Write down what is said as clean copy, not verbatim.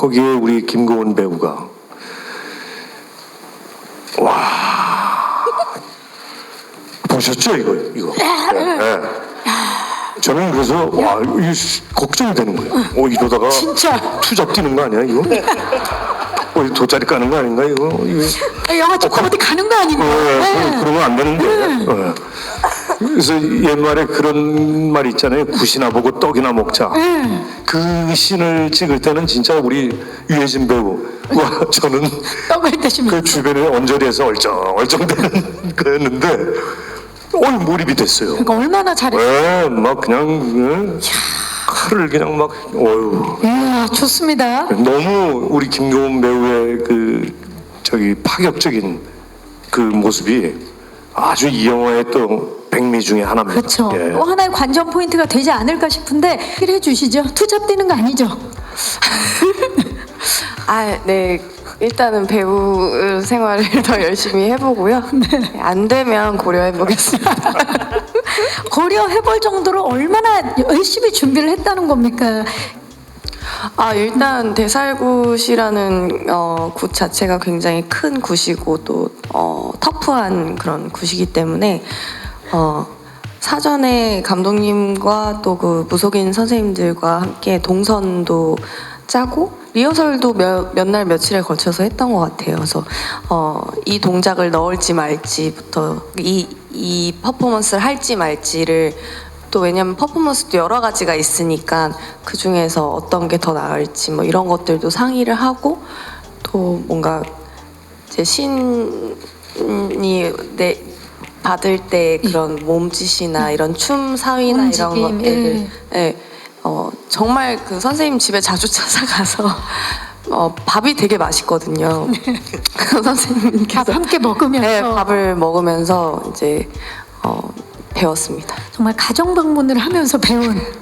거기에 우리 김고은 배우가 와 보셨죠 이거? 네. 저는 그래서 와 이거 걱정이 되는 거예요. 이러다가 진짜. 투잡 뛰는 거 아니야 이거? 돗자리 까는 거 아닌가 이거? 영화 찍고 어디 가는 거 아닌가? 그러면 안 되는데. 그래서 옛말에 그런 말 있잖아요. 굿이나 보고 떡이나 먹자. 그 씬을 찍을 때는 진짜 우리 유해진 배우와 저는 떡을 드시면 그 주변에 언저리에서 얼쩡얼쩡대는 거였는데 몰입이 됐어요. 그러니까 얼마나 잘했어요. 막 그냥 칼을 그냥 막 어휴. 이야, 좋습니다. 너무 우리 김고은 배우의 그 파격적인 그 모습이 아주 이 영화의 또 백미 중에 하나입니다. 그렇죠. 예. 또 하나의 관전 포인트가 되지 않을까 싶은데 해결해 주시죠. 투잡 뛰는 거 아니죠? 네. 일단은 배우 생활을 더 열심히 해보고요. 안 되면 고려해보겠습니다. 고려해볼 정도로 얼마나 열심히 준비를 했다는 겁니까? 일단 대살굿이라는 굿 자체가 굉장히 큰 굿이고 또 터프한 그런 굿이기 때문에 사전에 감독님과 또 그 무속인 선생님들과 함께 동선도 짜고 리허설도 몇 날 며칠에 걸쳐서 했던 것 같아요. 그래서 이 동작을 넣을지 말지부터 이 퍼포먼스를 할지 말지를 또 왜냐면 퍼포먼스도 여러 가지가 있으니까 그 중에서 어떤 게 더 나을지 뭐 이런 것들도 상의를 하고 또 뭔가 이제 신이 받을 때 그런 몸짓이나 이런 춤 사위나 이런 움직임, 것들을 정말 그 선생님 집에 자주 찾아가서 밥이 되게 맛있거든요. 그 선생님께서 밥 함께 먹으면서. 네, 밥을 먹으면서 이제 배웠습니다. 정말 가정 방문을 하면서 배운